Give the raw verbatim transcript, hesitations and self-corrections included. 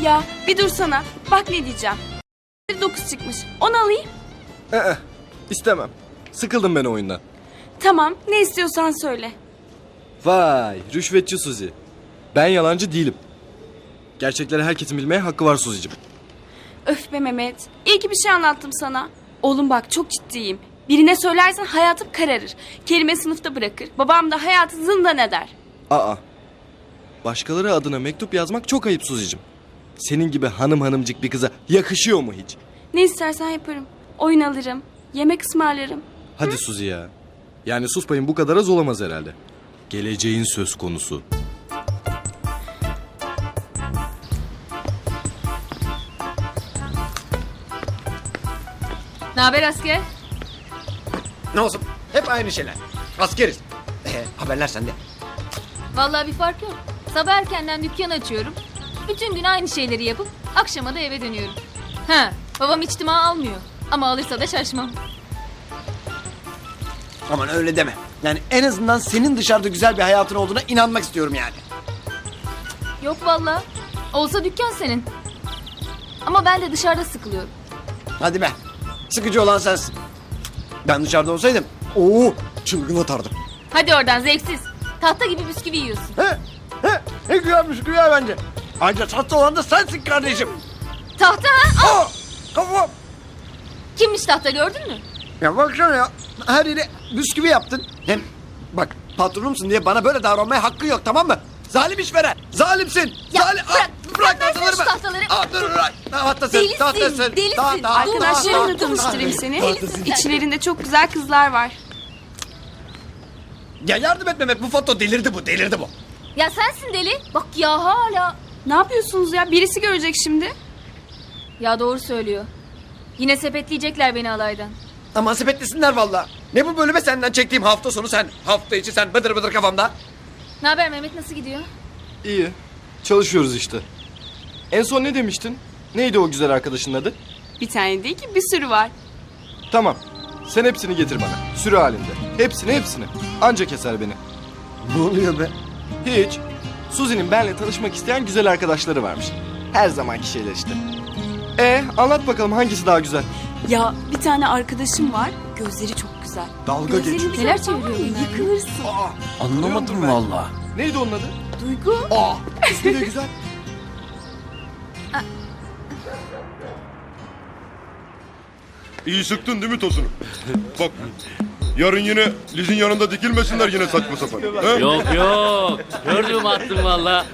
Ya bir dursana. Bak ne diyeceğim. dokuz çıkmış. Onu alayım. Ee, istemem. Sıkıldım ben o oyundan. Tamam. Ne istiyorsan söyle. Vay, rüşvetçi Suzi. Ben yalancı değilim. Gerçekleri herkesin bilmeye hakkı var Suzi'cim. Öf be Mehmet. İyi ki bir şey anlattım sana. Oğlum bak çok ciddiyim. Birine söylersen hayatım kararır. Kelime sınıfta bırakır. Babam da hayatı zindan eder. Aa, başkaları adına mektup yazmak çok ayıp Suzi'cim. Senin gibi hanım hanımcık bir kıza yakışıyor mu hiç? Ne istersen yaparım. Oyun alırım. Yemek ısmarlarım. Hadi Suzi ya. Yani sus payın bu kadar az olamaz herhalde. Geleceğin söz konusu. Ne haber asker? Ne olsun? Hep aynı şeyler. Askeriz. Ee, haberler sende. Vallahi bir fark yok. Sabah erkenden dükkan açıyorum. Bütün gün aynı şeyleri yapıp akşama da eve dönüyorum. Ha, babam içtima almıyor. Ama alırsa da şaşmam. Aman öyle deme. Yani en azından senin dışarıda güzel bir hayatın olduğuna inanmak istiyorum yani. Yok vallahi. Olsa dükkan senin. Ama ben de dışarıda sıkılıyorum. Hadi be. Sıkıcı olan sensin. Ben dışarıda olsaydım ooo çılgın atardım. Hadi oradan zevksiz. Tahta gibi bisküvi yiyorsun. He? He? Ne güzelmiş güzel bence. Ayrıca tatlı olan da sensin kardeşim. Tahta ha? Aa! Kafam. Kimmiş tahta gördün mü? Ya baksana ya. Her yere bisküvi yaptın. Hem bak patronumsun diye bana böyle davranmaya hakkın yok, tamam mı? Zalim işveren. Zalimsin. Ya Zalim. bırak, Aa, bırak versene tahtaları şu ben. tahtaları. Aa, dur bırak. Tahtasın. Delisin, Tahtasın. delisin. Ta- ta- Arkadaşlarımla ta- tanıştırayım ta- seni. tahtasın. İçlerinde çok güzel kızlar var. Ya yardım et Mehmet, bu foto delirdi bu, delirdi bu. Ya sensin deli. Bak ya hala. Ne yapıyorsunuz ya? Birisi görecek şimdi. Ya doğru söylüyor. Yine sepetleyecekler beni alaydan. Aman sepetlesinler valla. Ne bu bölüme senden çektiğim hafta sonu sen. Hafta içi sen bıdır bıdır kafamda. Ne haber Mehmet, nasıl gidiyor? İyi. Çalışıyoruz işte. En son ne demiştin? Neydi o güzel arkadaşın adı? Bir tane değil ki bir sürü var. Tamam. Sen hepsini getir bana. Sürü halinde. Hepsini hepsini. Anca keser beni. Ne oluyor be? Hiç. Suzi'nin benimle tanışmak isteyen güzel arkadaşları varmış. Her zamanki şeyler işte. E anlat bakalım hangisi daha güzel? Ya bir tane arkadaşım var. Gözleri çok güzel. Dalga Gözlerini geçiyor. bir Neler görsen var ya, çeviriyor bunlar ya? yıkılırsın. Anlamadım valla. Neydi onun adı? Duygu. Aa, ismi de güzel. İyi sıktın değil mi tosunu? Bak yarın yine Liz'in yanında dikilmesinler yine saçma sapan. He? Yok yok. Gördüm attım valla.